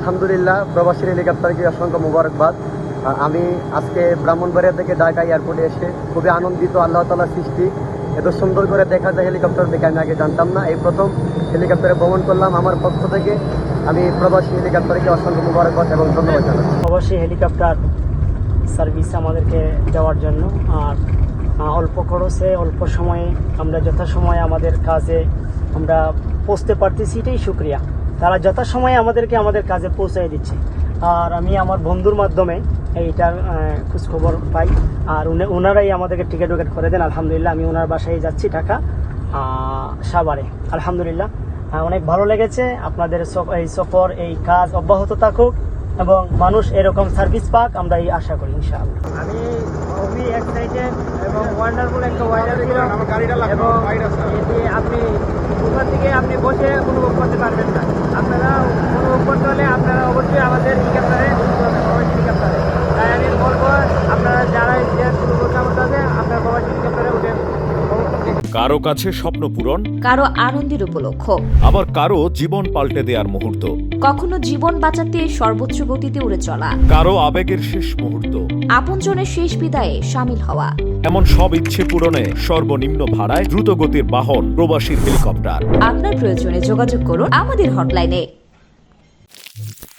আলহামদুলিল্লাহ, প্রবাসী হেলিকপ্টারকে অসংখ্য মোবারকবাদ। আমি আজকে ব্রাহ্মণবাড়িয়া থেকে ঢাকা এয়ারপোর্টে এসে খুবই আনন্দিত। আল্লাহ তাআলার সৃষ্টি, এত সুন্দর করে দেখা যায় হেলিকপ্টার দেখে আমি আগে জানতাম না। এই প্রথম হেলিকপ্টারে ভ্রমণ করলাম। আমার পক্ষ থেকে আমি প্রবাসী হেলিকপ্টারকে অসংখ্য মোবারকবাদ এবং ধন্যবাদ জানাচ্ছি। প্রবাসী হেলিকপ্টার সার্ভিস আমাদেরকে দেওয়ার জন্য, আর অল্প খরচে অল্প সময়ে আমরা যথাসময়ে আমাদের কাজে আমরা পৌঁছতে পারতেছি, এটাই শুক্রিয়া। তারা যথাসময়ে আমাদেরকে আমাদের কাজে পৌঁছাই দিচ্ছে। আর আমি আমার বন্ধুর মাধ্যমে এইটার খোঁজখবর পাই, আর ওনারাই আমাদেরকে টিকিট করে দেন। আলহামদুলিল্লাহ, আমি ওনার বাসায় যাচ্ছি ঢাকা সাভারে। আলহামদুলিল্লাহ, অনেক ভালো লেগেছে। আপনাদের এই সফর, এই কাজ অব্যাহত থাকুক এবং মানুষ এরকম সার্ভিস পাক, আমরা এই আশা করি ইনশাআল্লাহ। আমি খুবই এক্সাইটেড এবং ওয়ান্ডারফুল একটা ওয়েদার ছিল, এবং এটি আপনি উপর থেকে আপনি বসে অনুভব করতে পারবেন না। আপনারা অনুভব করতে হলে আপনারা অবশ্যই আমাদের হেলিকপ্টারে হেলিকপ্টারে, তাই আমি বলবো আপনারা যারা অনুভব করতে হবে আপনারা প্রবাসী হেলিকপ্টারে উঠে। কারো কাছে স্বপ্ন পূরণ, কারো আনন্দের উপলক্ষ, আবার কারো জীবন পাল্টে দেওয়ার মুহূর্ত, কখনো জীবন বাঁচাতে সর্বোচ্চ গতিতে উড়ে চলা, কারো আবেগের শেষ মুহূর্ত, আপনজনের শেষ বিদায়ে শামিল হওয়া। এমন সব ইচ্ছে পূরণে সর্বনিম্ন ভাড়ায় দ্রুত গতির বাহন প্রবাসী হেলিকপ্টার। আপনার প্রয়োজনে যোগাযোগ করুন আমাদের হটলাইনে।